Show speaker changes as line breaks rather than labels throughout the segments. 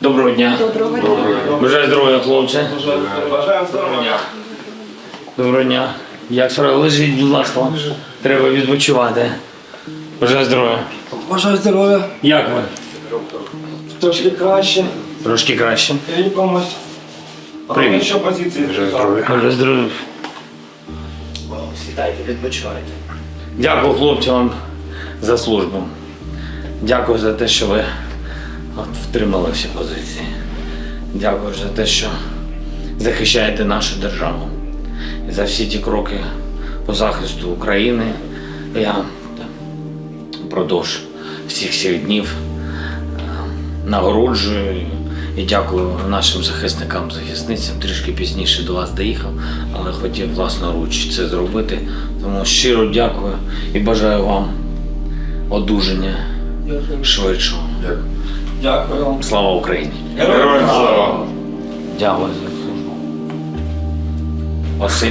Доброго дня.
Доброго дня.
Бажаю здоров'я, хлопці.
Бажаємо здоров'я.
Доброго дня. Як справа? Лежіть, будь ласка. Треба відпочивати. Бажаю здоров'я.
Бажаю здоров'я.
Як ви?
Трошки краще.
Трошки краще.
Лікомось.
Привіт.
Що позиції?
Бажаю здоров'я. Сідайте, відпочивайте. Дякую хлопцям за службу. Дякую за те, що ви втримали всі позиції. Дякую за те, що захищаєте нашу державу. І за всі ті кроки по захисту України. Я впродовж всіх цих днів нагороджую і дякую нашим захисникам, захисницям. Трішки пізніше до вас доїхав, але хотів власноруч це зробити. Тому щиро дякую і бажаю вам одужання швидшого.
Дякую вам.
Слава Україні!
Героям слава!
Дякую за службу. Василь.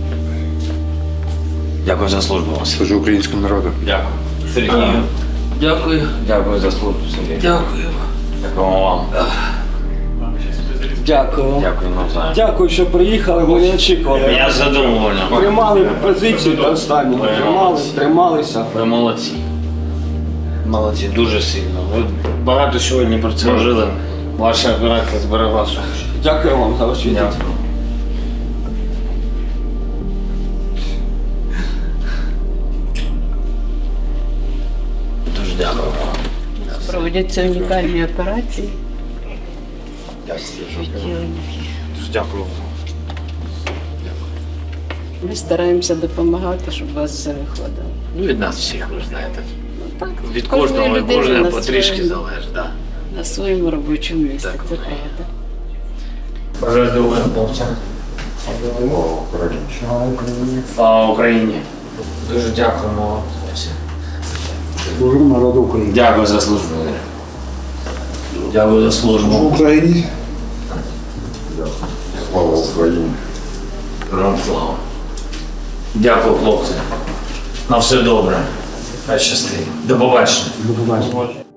Дякую за службу, Василь.
Служу українському народу.
Дякую. Сергію.
Дякую.
Дякую за службу, Сергій.
Дякую.
Дякую вам.
Дякую.
Дякую навзаєм.
Дякую, що приїхали, ми не очікували.
Я задоволений.
Тримали позицію до останнього. Трималися.
Ви молодці. Молодці, дуже сильно. Ви багато сьогодні про це жили. Ваша операція зберегла сушу.
Дякую вам за ваш візит.
Дякую. Дуже дякую вам.
Проводяться унікальні операції.
Дуже дякую.
Ми стараємося допомагати, щоб у вас все виходило.
Ну, від нас всіх, ви ж знаєте.
Так,
Від
кожної
кожного і
людини
кожного
на
потрішки
своєму-
залежить. Да.
На своєму робочому місці,
Так,
це
воно є.
правда.
Бажаю здоров'я, хлопцям. Слава Україні! Дуже дякуємо вам.
Служу народу України.
Дякую за службу. Дякую за службу.
Україні. Слава Україні.
Героям слава. Дякую, хлопці. На все добре. Хай щастить. До побачення.
До побачення.